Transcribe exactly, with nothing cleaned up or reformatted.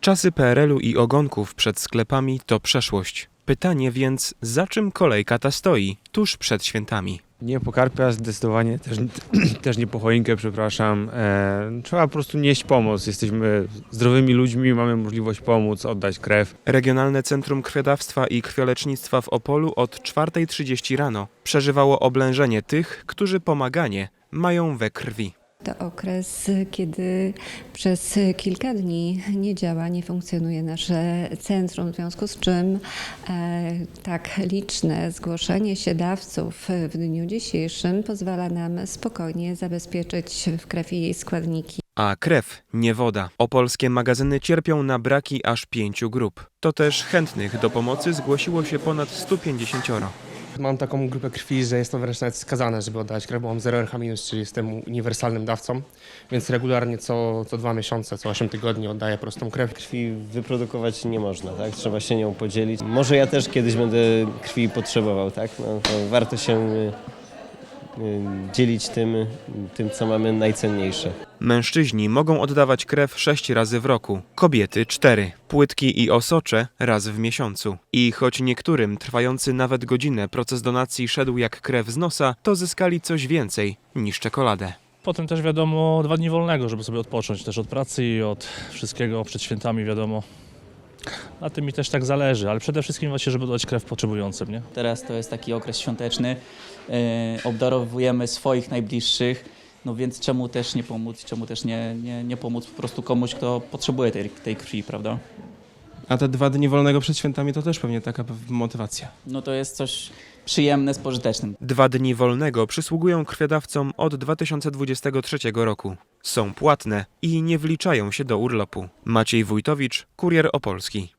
Czasy P R L-u i ogonków przed sklepami to przeszłość. Pytanie więc, za czym kolejka ta stoi tuż przed świętami? Nie po karpia, zdecydowanie też, też nie po choinkę, przepraszam. E, trzeba po prostu nieść pomoc. Jesteśmy zdrowymi ludźmi, mamy możliwość pomóc, oddać krew. Regionalne Centrum Krwiodawstwa i Krwiolecznictwa w Opolu od czwartej trzydzieści rano przeżywało oblężenie tych, którzy pomaganie mają we krwi. To okres, kiedy przez kilka dni nie działa, nie funkcjonuje nasze centrum, w związku z czym e, tak liczne zgłoszenie się dawców w dniu dzisiejszym pozwala nam spokojnie zabezpieczyć w krew i jej składniki. A krew, nie woda. Opolskie magazyny cierpią na braki aż pięciu grup. To też chętnych do pomocy zgłosiło się ponad stu pięćdziesięcioro. Mam taką grupę krwi, że jestem wręcz nawet skazany, żeby oddać krew, bo mam zero R H minus, czyli jestem uniwersalnym dawcą, więc regularnie co, co dwa miesiące, co osiem tygodni oddaję prostą krew. Krwi wyprodukować nie można, tak? Trzeba się nią podzielić. Może ja też kiedyś będę krwi potrzebował, tak? No, to warto się y, y, dzielić tym, tym, co mamy najcenniejsze. Mężczyźni mogą oddawać krew sześć razy w roku, kobiety cztery, płytki i osocze raz w miesiącu. I choć niektórym trwający nawet godzinę proces donacji szedł jak krew z nosa, to zyskali coś więcej niż czekoladę. Potem też wiadomo dwa dni wolnego, żeby sobie odpocząć też od pracy i od wszystkiego przed świętami, wiadomo. Na tym mi też tak zależy, ale przede wszystkim właśnie, żeby dać krew potrzebującym, nie? Teraz to jest taki okres świąteczny, yy, obdarowujemy swoich najbliższych, no więc czemu też nie pomóc, czemu też nie, nie, nie pomóc po prostu komuś, kto potrzebuje tej, tej krwi, prawda? A te dwa dni wolnego przed świętami to też pewnie taka motywacja. No to jest coś przyjemne z pożytecznym. Dwa dni wolnego przysługują krwiodawcom od dwa tysiące dwudziestego trzeciego roku. Są płatne i nie wliczają się do urlopu. Maciej Wójtowicz, Kurier Opolski.